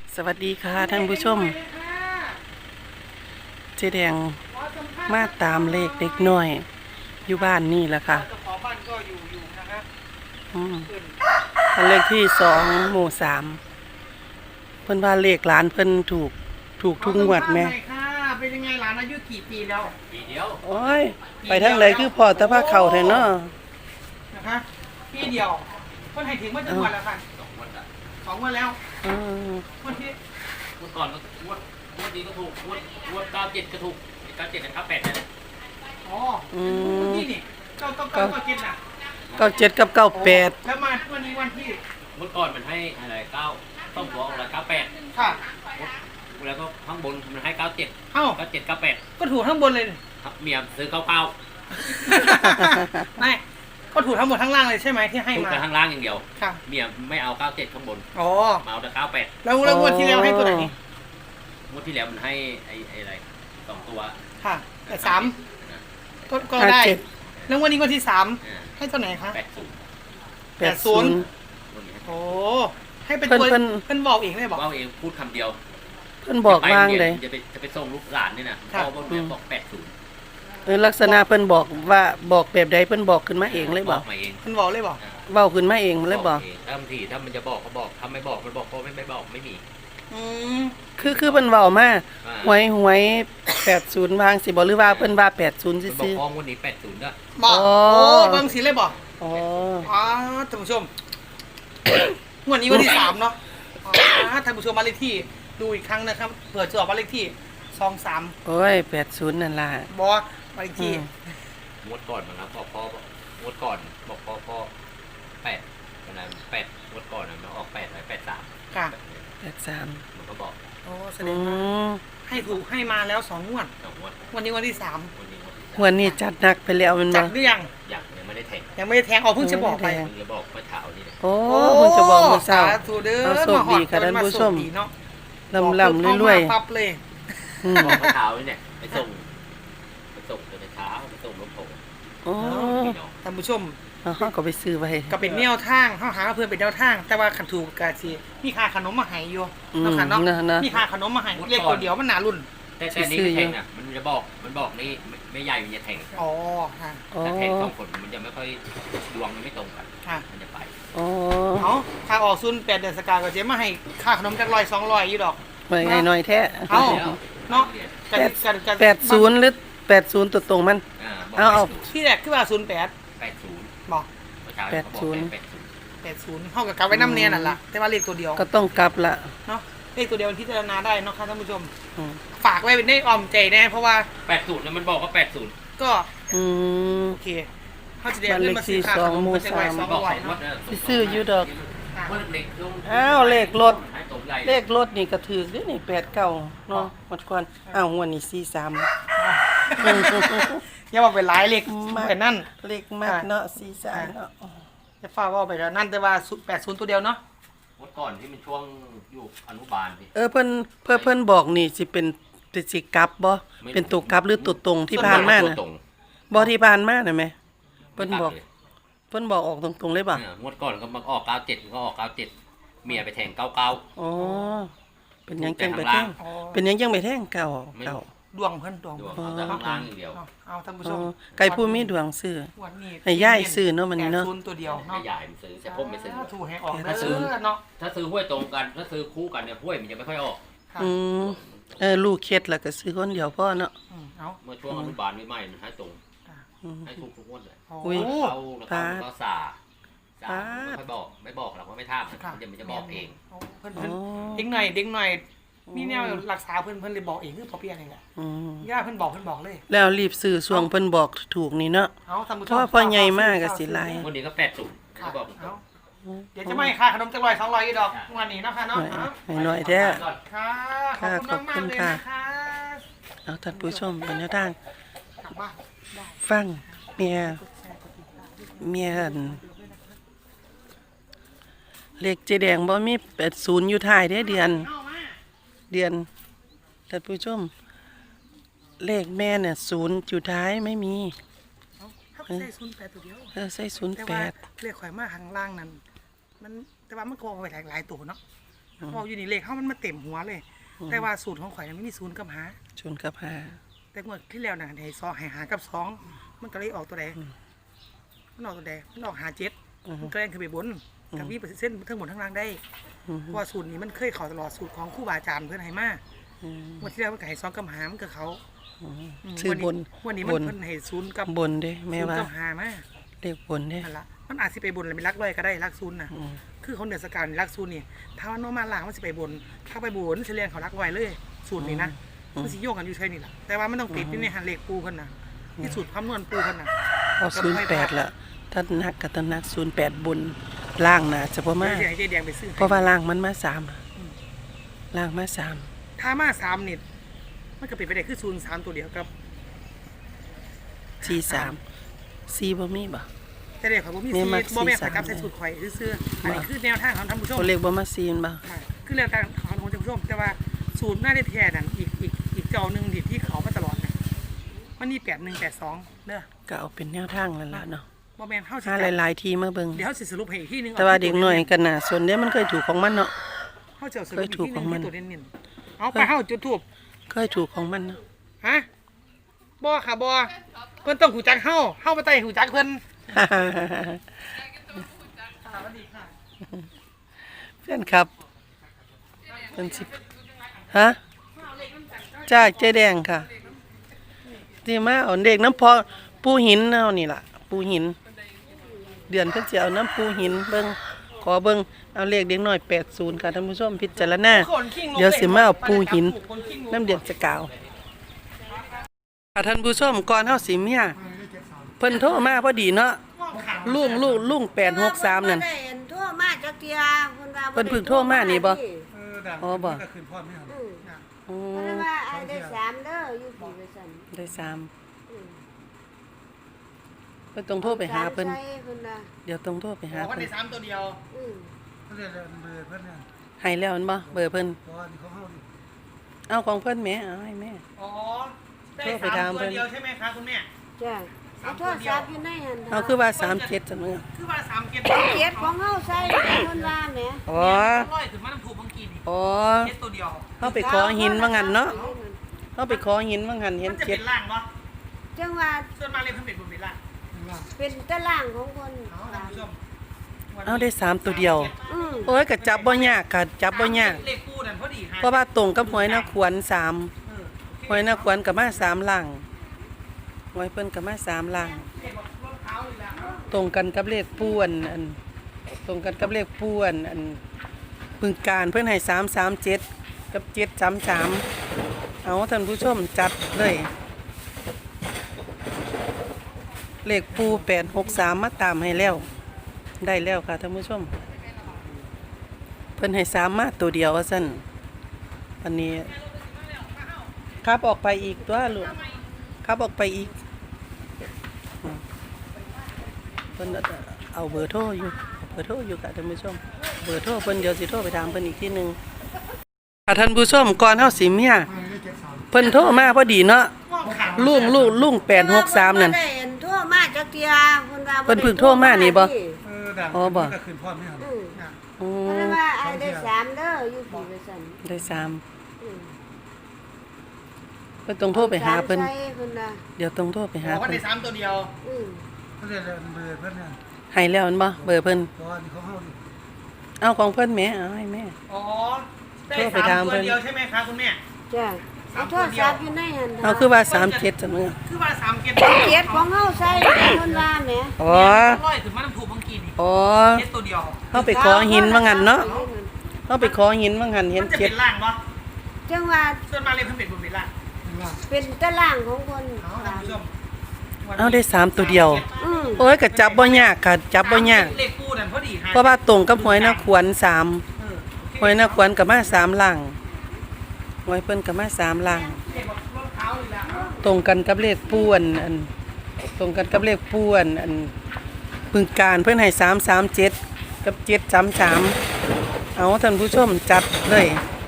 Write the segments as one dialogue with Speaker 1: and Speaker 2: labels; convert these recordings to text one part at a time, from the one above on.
Speaker 1: สวัสดีค่ะท่านผู้ชมเจ๊แดงมาตามเลขเด็กน้อยอยู่บ้านนี่แหละค่ะ
Speaker 2: เจ้าของบ้านก็อยู่นะฮะ
Speaker 1: อันเลขที่2 หมู่ 3เพิ่นว่าเลขหลานเพิ่นถูกทุกงวดแม่
Speaker 2: เป็นยังไงหลานอายุกี่ปีแล้ว
Speaker 3: ปีเดียว
Speaker 1: โอ้ยไปทางไหนคือพอแต่ว่าเข้าแท้เนาะ
Speaker 2: นะคะปีเดียวเพิ่นให้ถึงว่าจังหวัดแล้วค่ะ
Speaker 3: 2 วันละ
Speaker 2: 2 วันแล้ววันที่
Speaker 3: วันก่อนก็งวดนี้ก็ถูกงวด97ก็ถูก97กับ98นั่นแหละ
Speaker 2: อ๋อวันที่นี่ก็กินน่ะ
Speaker 1: 97กับ98
Speaker 2: แล้วมาวันนี้วันที่
Speaker 3: งวดก่อนมันให้อะไร9ต้องตัวอะไร98
Speaker 2: ค่ะ
Speaker 3: แล้วก็ข้างบนมันให้97
Speaker 2: เอ้า
Speaker 3: 97 98
Speaker 2: ก็ถูกทั้งบนเลย
Speaker 3: เมียซื้อ99
Speaker 2: ไม่ก็ถูกทั้งหมดทั้งล่างเลยใช่ไหมที่ให้
Speaker 3: ถูก
Speaker 2: มา
Speaker 3: แต่ข้างล่างอย่างเดียว
Speaker 2: ค่ะ
Speaker 3: เมียไม่เอา97ข้างบน
Speaker 2: อ๋อ
Speaker 3: เอาแต่98
Speaker 2: แล้วงวดที่แล้วให้ตัวไหน
Speaker 3: งวดที่แล้วมันให้ไอ้อะไร2ตัว
Speaker 2: ค่ะแต่3ก็ได้แล้ววันนี้วันที่3ให้ตัวไหนคะ80โอ้ให้เป็นตัวเพิ่นบอกเองเลยบอก
Speaker 3: ว่าเองพูดคำเดียว
Speaker 1: เพิ่นบอกว่างเลย
Speaker 3: จะไปส่งลูกหลานนี่นะพ่อบอก80
Speaker 1: ลักษณะเพิ่นบอกว่าบอกแบบใดเพิ่นบอกขึ้นมาเองเลยบอก
Speaker 3: มาเอง
Speaker 2: เพิ่นบอกเลยบอก
Speaker 1: เว้าขึ้นมาเองเลยบอก
Speaker 3: ถ้ามันจะบอกก็บอกถ้าไม่บอกมันบอกเพราะไม่บอกไม่มี
Speaker 1: คือเพิ่นเว้ามาหวย80วางสิบ่หรือว่าเพิ่นว่า80ซื่อๆ
Speaker 3: บอกพ้องวันนี้80ด้วย
Speaker 2: บอกโอ้บางสิเลยบอก
Speaker 1: อ๋อ
Speaker 2: ท่านผู้ชมวันนี้วันที่3เนาะท่านผู้ชมบ้านเลขที่ดูอีกครั้งนะครับเผื่อจะออกบ้านเลขที่23
Speaker 1: โอ้ย80นั่นล่ะ
Speaker 2: บ่บ้านเลขที่
Speaker 3: งวดก่อนนะครับพ่องวดก่อนบอกพ่อ8วันนั้น8งวดก่อนมันออก8 83
Speaker 2: ค่ะ
Speaker 1: 83
Speaker 3: มันก็บอก
Speaker 2: โอ้แสดงว่าให้ถูกให้มาแล้ว2 งวดวันนี้วันที่3
Speaker 1: วันนี้จัดหนักไปแล้วมัน
Speaker 2: จัดหรือยัง
Speaker 3: ยังไม่ได้แทง
Speaker 2: เพิ่งจะบอกไป
Speaker 3: เพิ่งจะบอกเมื่อเช้านี่
Speaker 1: โอ้เพิ่งจะบอกเมื่อเช้า
Speaker 2: เอา
Speaker 1: โชคดีค่ะท่านผู้ชมลำรวย
Speaker 2: ปั๊บเลย
Speaker 3: บอกเมื่อเช้านี่เนี่ยไปส่งแต่เช้าไปส่งรถผม
Speaker 1: โอ้
Speaker 2: ท่านผู้ชม
Speaker 1: เขาก็ไปซื้อไว้
Speaker 2: ก็เป็นแนวทางเขาหาเพื่อนเป็นแนวทางแต่ว่าขันถูกกาจีมีค่าขนมมาให้อยู่นะคะเนาะมีค่าขนมมาให้เรียกตัวเดียวมันหนารุ่น
Speaker 3: แต่นี่แทงอ่ะมันจะบอกนี่ไม่ใหญ่มันจะแทง
Speaker 2: อ๋อค่ะ
Speaker 3: แต่แทง2 คนมันจะไม่ค่อยดวงมันไม่ตรงกันมันจะไป
Speaker 1: อ๋อ
Speaker 2: เอาค่าออก08 เดือนสกาก็เจ๊มาให้ค่าขนมจัก100 200อยู่ดอก
Speaker 1: ไม่หน่อยแท้
Speaker 2: เอาเนาะ
Speaker 1: 80หรือ80ตัวตรงมันเอา
Speaker 2: ที่แรกคือว่า08บอก80เท่ากับกลับไว้น้ำเนียนั่นแหละแต่ว่าเลขตัวเดียว
Speaker 1: ก็ต้องกลับละ
Speaker 2: เนาะเลขตัวเดียวพิจารณาได้เนาะค่ะท่านผู้ชมฝากไว้เป็นได้ออมใจแน่เพราะว่า
Speaker 3: 80เนี่ยมันบอกว่า80
Speaker 2: ก็โอเคเขาจะเรียกเรื่องมาซื้อค่าขนมมันจะไว้200
Speaker 1: ซื้ออยู่ดอกอ้าวเลขรถนี่ก็ถือด้วยนี่89เนาะหมดก่อนอ้าวงวดนี้43
Speaker 2: อย่าว่าเป็นหลายเลขไปนั่น
Speaker 1: เลขมากเนาะ43เนาะ
Speaker 2: จะฟ้าว่าไปแล้วนั่นแต่ว่า80ตัวเดียวเนาะ
Speaker 3: งวดก่อนที่มันช่วงอยู่อนุบาลดิ
Speaker 1: เพิ่นบอกนี่สิเป็นสิกลับบ่เป็นตัวกลับหรือตัวตรงที่ผ่านมาน่ะบ่ที่ผ่านมาน่ะแม่เพิ่นบอกออกตรงๆเลยป่ะ
Speaker 3: งวดก่อนก็มาออก97ก็ออก97เมียไปแทง99
Speaker 1: อ๋อเป็นยังจังไปแทงเก่า
Speaker 2: ดวงเพิ่นดวง
Speaker 3: ข้างล่างอย่างเดียว
Speaker 2: เอาท่านผู้ชม
Speaker 1: ไก่ผู้มีดวงซื้อให้ย่ายซื้อเนาะมันนี่เนาะ
Speaker 2: ตัวเดียวเนาะ
Speaker 3: ให้ยายมันซื้อแต่ผมไม่ซื้อ
Speaker 2: ถูกให้ออกถ้าซื้อเนาะ
Speaker 3: ถ้าซื้อห้วยตรงกันถ้าซื้อคู่กันเนี่ยห้วยมันจะไม่ค่อยออก
Speaker 1: ลูกเคล็ดแล้วก็ซื้อคนเดียวพ่อเนาะ
Speaker 3: เมื่อช่วงอนุบาลใหม่ๆมันให้ตรงให้ถูกทุกงวดเลย
Speaker 1: ตา
Speaker 3: ก็สาไม่บอกเราก็ไม่ทำมันจะบอกเอง
Speaker 2: เด็กหน่อยมีแนวรักษาเพิ่นเลยบอกเองคือพอเพียงนี่แหละย่าเพิ่นบอกเลย
Speaker 1: แล้วรีบซื้อช่วงเพิ่นบอกถูกนี่เนาะเพราะพ่อใหญ่มากก็สิไล่
Speaker 3: วันนี้ก็80บอก
Speaker 2: เดี๋ยวจะไม่ค่าขนมจัก100 200อีดอกวันนี้เนาะค่ะเนาะ
Speaker 1: ให้น้อยแท้
Speaker 2: ค่ะขอบคุณมากๆเลยนะคะ
Speaker 1: เอาท่านผู้ชมบรรยากาศฟังเมียเลขเจแดงบ่มี80อยู่ท้ายเด้เดือนท่านผู้ชมเลขแม่เนี่ย0อยู่ท้ายไม่มี
Speaker 2: ใส่08ตัวเดียว
Speaker 1: ใส่08
Speaker 2: เลขข่อยมาข้างล่างนั้นมันแต่ว่ามันโกงไปหลายตัวเนาะพออยู่นี่เลขเขามันมาเต็มหัวเลย แต่ว่าสูตรของข่อยน่ะไม่มีศูนย์กับหา
Speaker 1: ชนกับหา
Speaker 2: แต่งวดที่แล้วน่ะให้ซอให้หากับสองมันก็เลยออกตัวใดมันออกตัวใดมันออกหาเจ็ดมันก็แรงขึ้นไปบนกับมีเส้นทั้งหมดทั้งล่างได้เพราะว่าสูตรนี้มันเคยเข้าตลอดสูตรของครูบาอาจารย์เพื่อนให้มาวันที่แล้วมันก็ให้สองกับหามันก็เขา
Speaker 1: ชื่อบน
Speaker 2: วันนี้
Speaker 1: บ
Speaker 2: มัน
Speaker 1: น
Speaker 2: เพิ่นให้ศูนย์กับบ
Speaker 1: นเด้แม่
Speaker 2: ศูนย์
Speaker 1: ว่า
Speaker 2: กับหามา
Speaker 1: เลขบนเด้
Speaker 2: นั่นละมันอาจสิไปบนหรือไปรักร้อยก็ได้รักศูนย์น่ะคือเขาเหนือสกาวนี่รักศูนย์นี่ถ้าว่าโนมาล่างมันสิไปบนถ้าไปบนเฉลี่ยเขารักร้อยเลยสูตรนี้นะมันสิโยกกันอยู่ใช่นี่แหละแต่ว่ามันต้องติดนี่ในหันเลขปูเพิ่นน่ะที่สูตรคำนวณปูเพิ่นน่ะ
Speaker 1: เอา08ละถ้านักก็ต้องนัก08บนล่างน่ะจะบ่มา
Speaker 2: เดี๋ยวให้เจ๊แดงไปซื้อ
Speaker 1: เพราะว่าล่างมันมา3ล่างมา3
Speaker 2: ถ้ามาสามนี่มันก็เป็นไปได้คือศูนย์สามตัวเดียวกับ
Speaker 1: 43 4บ่มีบ่
Speaker 2: แต่เด็กของผมมี
Speaker 1: เนี่ยมัก
Speaker 2: บ่แม่น
Speaker 1: สี่
Speaker 2: ไปกับ
Speaker 1: สาม
Speaker 2: ใส่สูตรข่อยซื้อๆอันนี้คือแนวทางของท่านผู้ชม
Speaker 1: ตัวเลขบ่มา4มันบ่
Speaker 2: ค่ะคือแนวทางของท่านผู้ชมแต่ว่าสูตรหน้าได้แท้นั่นอีกเจ้าหนึงที่เขามาตลอดนะมันมี8182เด้อ
Speaker 1: ก็เอาเป็นแนวทางนั่นล่ะเนาะ
Speaker 2: บ่แม่นเฮาสิ
Speaker 1: หาหลายๆทีมาเบิ่ง
Speaker 2: เดี๋ยวเฮาสิสรุปให้อีกทีหนึง
Speaker 1: แต่ว่าเด็กน้อยก็น่าสนเด้มันเคยถูกของมันเนาะ
Speaker 2: เฮาจะสรุปอีกทีหนึง
Speaker 1: เคยถูกของมัน
Speaker 2: ที่ตัวเน้นๆเอาไปเฮาจุดทูบ
Speaker 1: เคยถูกของมันเนาะ
Speaker 2: ฮะบ่ค่ะบ่เพิ่นต้องหูจักเฮาบ่ต้องหูจักเพิ่นสวัสดีค่ะ
Speaker 1: เพื่อนครับเป็นสิบฮะจ้าเจ๊แดงค่ะที่มาเอาเด็กน้ำพอปูหินเอานี่ล่ะ ปูหิน เดือนเพิ่นสิเอาน้ำปูหินเบิ่งขอเบิ่งเอาเลขเด็กน้อย80ค่ะท่านผู้ชมพิจารณาเดี๋ยวสิมาเอาปูหินน้ำเดือนจะกาวค่ะท่านผู้ชมก่อนเฮาสิเมียเพิ่นโทรมาพอดีเนาะลุง863นั่น
Speaker 4: เห็นโทรมาจักเทียเพิ่นว่า
Speaker 1: เพิ่นเพิ่งโทรมานี่บ่ อ๋อบ่
Speaker 2: ก็คืนพ่อไม่เอา
Speaker 1: อื
Speaker 4: เพิ่น
Speaker 1: ม
Speaker 4: ว่าไอ้ได้3เด้ออยู่ปีว่าซั่น
Speaker 1: ได้3
Speaker 4: อืม
Speaker 1: เพิ่นต้องโทรไปหาเพิ่น
Speaker 4: ใส่เพิ่นว่า
Speaker 1: เดี๋ยวต้องโทรไปหา
Speaker 2: บอกว่า
Speaker 1: เพิ่
Speaker 2: ใน
Speaker 1: น
Speaker 2: สามตัวเดียว
Speaker 4: อืม
Speaker 2: เขาเรียกเบอร์เพื่อนเนี่ย
Speaker 1: ให้แล้วมันบ่เบอร์เพิ่น
Speaker 2: เพราะว่านี่เขาเข้าดิ
Speaker 1: เอาของเพิ่นแหมเอาให้แม่
Speaker 2: อ๋อได้
Speaker 1: โทรไป
Speaker 2: สาม
Speaker 1: ถาม
Speaker 2: ตัว
Speaker 1: เพิ่น
Speaker 2: เดียวใช่ไหมคะคุณแม่
Speaker 4: จ้ะเอาโทรศัพท์อยู่ในหั่น
Speaker 1: เอาคือว่า37จังมื้อ
Speaker 2: คือว่าสามเกียร
Speaker 4: เกียรติของเฮาใส่เพิ่นว่าแหม
Speaker 1: อ๋อ
Speaker 2: ร้อยถึงมาน้ำถูกบางกีนี่
Speaker 1: อ๋อ
Speaker 2: เกียรตัวเดียว
Speaker 1: เฮาไปขอหินว่างั้นเนาะเฮาไปขอหินว่างั้นเห็
Speaker 2: มัน นจะ
Speaker 1: เจ็
Speaker 2: เป็
Speaker 1: ด
Speaker 2: นล่างปะ
Speaker 4: จังว่า
Speaker 2: ส่วนมากเลยเพิ่นเป็นบนเป็นล่าง
Speaker 4: เป็นตารางของเพิ่น
Speaker 2: เอาท่านผู้ชม
Speaker 1: เอาได้3ตัวเดียว
Speaker 4: อืม
Speaker 1: โอ้ยก็จับบ่ยากค่ะจับบ่ยาก
Speaker 2: เลขคู่นั่นพอดีห
Speaker 1: เพราะว่าตรงกับหวยนาขวน3
Speaker 2: เออ
Speaker 1: หวยนาขวนก็มา3ล่างหวยเพิ่นก็มา3ล่าง
Speaker 2: เลขบอกรองเท้าเลยละ
Speaker 1: ตรงกันกับเลขป้วนอันตรงกันกับเลขป้วนอันพึงการเพื่อนให้337กับ733เอาท่านผู้ชมจัดเลยเลขปู863มาตามให้แล้วได้แล้วค่ะท่านผู้ชมเพิ่นให้3มาตัวเดียวว่าซั่นอันนี้ครับออกไปอีกตัวลูกครับออกไปอีก เพิ่นเอาเบอร์โทรอยู่ค่ะท่านผู้ชมเบอร์โทรเพิ่นเดี๋ยวสิโทรไปถามเพิ่นอีกทีหนึงค่ะท่านผู้ชมก่อนเฮาสิเมียเพิ่นโทรมาพอดีเนาะลุง863นั่น
Speaker 4: เพิ่ได้เห็นโทรมาจักเทียเพิ่นว่า
Speaker 1: เพิ่นเพิ่งโทรมานี่บ่
Speaker 2: ดัง
Speaker 1: อ๋อบ่
Speaker 2: ก็คืนพ่อไม่เอา
Speaker 4: อืม
Speaker 1: อื
Speaker 4: เพิ่น
Speaker 1: ม
Speaker 4: ว่าไอ้ได้3เด้ออยู่ปีว่าซั่น
Speaker 1: ได้3
Speaker 4: อืม
Speaker 1: เพิ่นต้องโทรไปหาเพิ่น
Speaker 4: ใส่เพิ่นว่า
Speaker 1: เดี๋ยวต้องโทรไปหา
Speaker 2: บอกว่า
Speaker 1: เพิ่
Speaker 2: ใน
Speaker 1: น
Speaker 2: สามตัวเดียว
Speaker 4: อืม
Speaker 2: เขาเรียกเบอร์เพื่อนเนี่ย
Speaker 1: ให้แล้วมันบ่เบอร์เพิ่น
Speaker 2: เพราะว่านี่เขาเข้าดิ
Speaker 1: เอาของเพิ่นแหมเอาให้แม่
Speaker 2: อ๋อได้
Speaker 1: โทรไป
Speaker 2: สาม
Speaker 1: ถาม
Speaker 2: ตัว
Speaker 1: เพิ่น
Speaker 2: เดียวใช่ไหมคะคุณแม่
Speaker 4: จ้ะเอาโทรศัพท์อยู่ในหั่น
Speaker 1: เอาคือว่า37จังมื้อ
Speaker 2: คือว่าสามเกียร
Speaker 4: เกียรติของเฮาใส่เพิ่นว่าแหม
Speaker 1: อ๋อ
Speaker 2: ร้อยถึงมาน้ำถูกบางกีนี่
Speaker 1: อ๋อ
Speaker 2: เกียรตัวเดียว
Speaker 1: เฮาไปขอหินว่างั้นเนาะเฮาไปขอหินว่างั้นเห็
Speaker 2: มัน นจะ
Speaker 1: เจ็
Speaker 2: เป็
Speaker 1: ด
Speaker 2: นล่างปะ
Speaker 4: จังว่า
Speaker 2: ส่วนมากเลยเพิ่นเป็นบนเป็นล่าง
Speaker 4: เป็นตารางของเพิ่น
Speaker 2: เอาท่านผู้ชม
Speaker 1: เอาได้3ตัวเดียว
Speaker 4: อืม
Speaker 1: โอ้ยก็จับบ่ยากค่ะจับบ่ยาก
Speaker 2: เลขคู่นั่นพอดีห
Speaker 1: เพราะว่าตรงกับหวยนาขวน3
Speaker 2: เออ
Speaker 1: หวยนาขวนก็มา3ล่างหวยเพิ่นก็มา3ล่าง
Speaker 2: เลขบอกรองเท้าเลยละ
Speaker 1: ตรงกันกับเลขป้วนอันตรงกันกับเลขป้วนอันพึงการเพิ่นให้337กับ733เอาท่านผู้ชมจัดเลย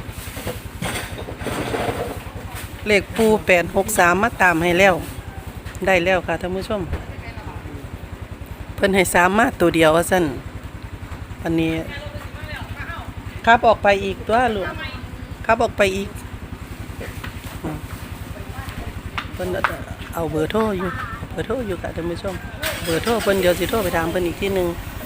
Speaker 1: เลขปู863มาตามให้แล้วได้แล้วค่ะท่านผู้ชมเพิ่นให้3มาตัวเดียวว่าซั่นอันนี้คครับออกไปอีกตัวลูกครับออกไปอีกเพิ่นเอาเบอร์โทรอยู่ค่ะท่านผู้ชมเบอร์โทรเพิ่นเดี๋ยวสิโทรไปถามเพิ่นอีกทีหนึง